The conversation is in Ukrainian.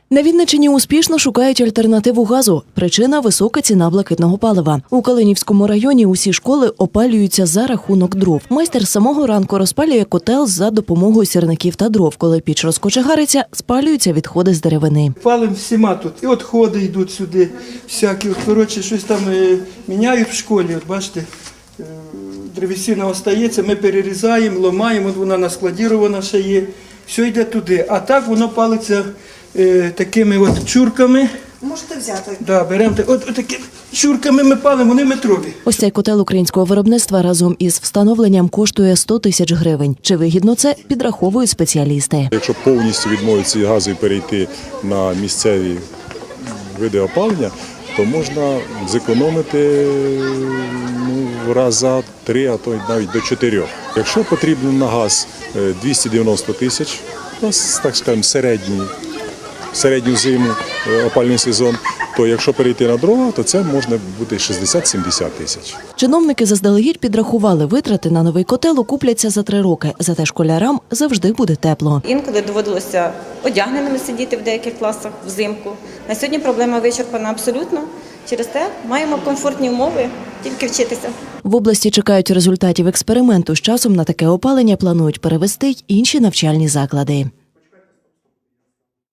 На Вінниччині успішно шукають альтернативу газу. Причина – висока ціна блакитного палива. У Калинівському районі усі школи опалюються за рахунок дров. Майстер з самого ранку розпалює котел за допомогою сірників та дров. Коли піч розкочегариться, спалюються відходи з деревини. Палимо всіма тут. І відходи йдуть сюди, всякі. Коротше, щось там міняють в школі. От бачите, древесина остається, ми перерізаємо, ламаємо, от вона наскладірована ще є. Все йде туди. А так воно палиться такими от чурками. Можете взяти. Да, беремо от такими чурками ми палимо, вони метрові. Ось цей котел українського виробництва разом із встановленням коштує 100 тисяч гривень. Чи вигідно це, підраховують спеціалісти. Якщо повністю відмовитися від газу і перейти на місцеві види опалення, то можна зекономити в раза 3, а то навіть до 4. Якщо потрібно на газ 290 тисяч, так скажемо, середню зиму, опалювальний сезон, то якщо перейти на дрова, то це можна бути 60-70 тисяч. Чиновники заздалегідь підрахували, витрати на новий котел окупляться за 3 роки. Зате школярам завжди буде тепло. Інколи доводилося одягненими сидіти в деяких класах взимку. На сьогодні проблема вичерпана абсолютно. Через те маємо комфортні умови, тільки вчитися. В області чекають результатів експерименту. З часом на таке опалення планують перевести й інші навчальні заклади.